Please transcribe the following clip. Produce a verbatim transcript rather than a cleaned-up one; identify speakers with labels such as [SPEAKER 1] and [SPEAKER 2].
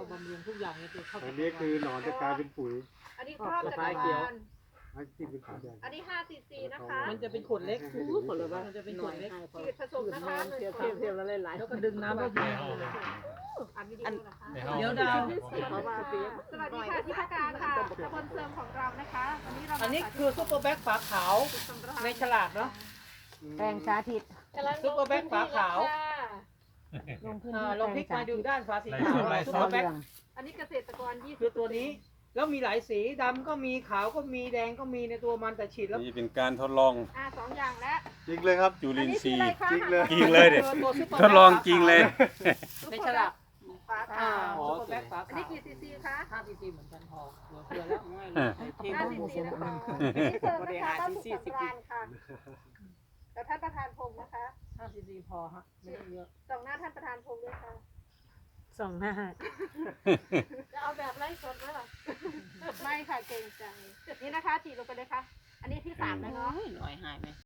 [SPEAKER 1] บำรุงทุกอย่างเนี่ยคือเข้า
[SPEAKER 2] อันนี้คือหนอนจะกลายเป็นปุ๋ย
[SPEAKER 3] อันนี้ครอบจักรวาล
[SPEAKER 2] ให้กินเป็นปุ๋ยแดง
[SPEAKER 3] อันนี้ห้าซีซีนะคะ
[SPEAKER 1] มันจะเป็นขวดเล็กขวดละบ้างมันจะเป็นขวดเล็ก
[SPEAKER 3] ฉีดผสมนะคะหนึ่ง
[SPEAKER 1] เทียบ
[SPEAKER 3] ข
[SPEAKER 1] เทียบ
[SPEAKER 3] วด
[SPEAKER 1] เทียบแล้วหลายๆแล้วก็ดึงน้ำก็มี
[SPEAKER 3] อันวิดีโอนะคะ
[SPEAKER 1] เดี๋ยวดาว
[SPEAKER 3] สวัสดีค่ะที่พักการค่ะตำบลเสริมของเรานะคะวันนี้เรา
[SPEAKER 1] อันนี้คือซุปเปอร์แบ็กฝาขาวในฉลากเนาะ
[SPEAKER 4] แปลงสาธิต
[SPEAKER 1] ซุปเปอร์แบ็กฝาขาว
[SPEAKER 4] ลงพื้น
[SPEAKER 1] อ่า
[SPEAKER 4] ที่
[SPEAKER 1] ลองพลิก
[SPEAKER 4] แปล
[SPEAKER 1] มาง ดู
[SPEAKER 4] สาธิต
[SPEAKER 1] ด้านฝาสีขาวซุปเปอร์แบ็ก
[SPEAKER 3] อันนี้เกษตรกรยี่สิบ
[SPEAKER 1] คือตัวนี้แล้วมีหลายสีดำก็มีขาวก็มีแดงก็มีในตัวมันแต่ฉีดแล้ว
[SPEAKER 5] นี่เป็นการทดลอง
[SPEAKER 3] อ่าสองอย่างแล้ว
[SPEAKER 2] จริงเลยครับ
[SPEAKER 5] จุลินทรีย์
[SPEAKER 2] จริงเลย
[SPEAKER 5] จริงเลยเด็ด
[SPEAKER 1] ตัวซุปเปอร์
[SPEAKER 5] ทดลองจริงเลย
[SPEAKER 1] ในฉลาก
[SPEAKER 3] ฝา
[SPEAKER 1] อ่า
[SPEAKER 3] ขาว
[SPEAKER 1] ซุปเปอร์แบ็กฝา
[SPEAKER 3] อัน
[SPEAKER 1] ขา
[SPEAKER 3] นี้
[SPEAKER 1] ว
[SPEAKER 3] กี่ซีซีคะ
[SPEAKER 1] ห้าซีซีเหมือนกันพอเหลือเฟือแล้วง่ายเล
[SPEAKER 5] เออ
[SPEAKER 1] ยทีม
[SPEAKER 3] ห้าซีซีนะคะอันนี้เสริมนะคะเข้าสู่สำราญค่ะแล้วท่านประธานพงศ์นะคะ
[SPEAKER 1] ห้าซีซีพอฮะไม่ต้องเยอะ
[SPEAKER 3] ส่องหน้าท่านประธานพงศ์ด้วยค่ะ
[SPEAKER 4] สองหน้า
[SPEAKER 3] จะเอาแบบไล่สดไหมล่ะไม่ค่ะเกรงใจนี่นะคะฉีดลงไปเลยค่ะ อันนี้ที่สามแล้วเนาะ
[SPEAKER 1] หน่อยหายไหม